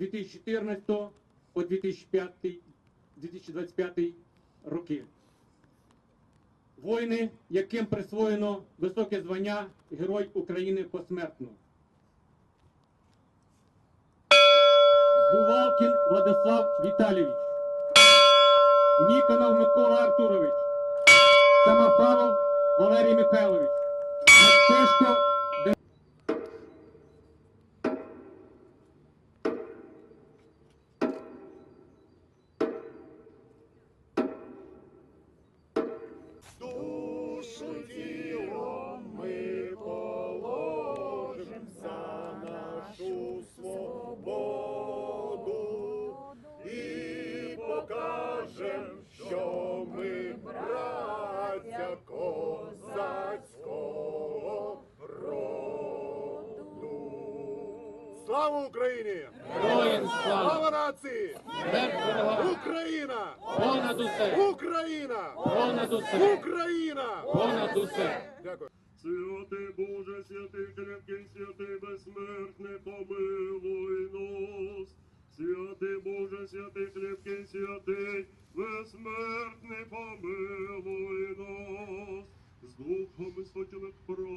2014 по 2025 роки. Воїни, яким присвоєно високе звання Герой України посмертно. Бувалкін Владислав Віталійович, Ніконов Микола Артурович, Самофалов Валерій Михайлович, Мацешко душу тілом ми положим за нашу свободу і покажем, що ми браття козацького роду. Слава Україні! Героям слава! Слава нації! Смерть ворогам! Україна! Понад усе! Україна! Понад усе! Україна! Понад усе! Дякую. Святий Боже, святий крепкий, святий безсмертний, помилуй нас. Святий Боже, святий крепкий, святий безсмертний, помилуй нас. З духом і спочилих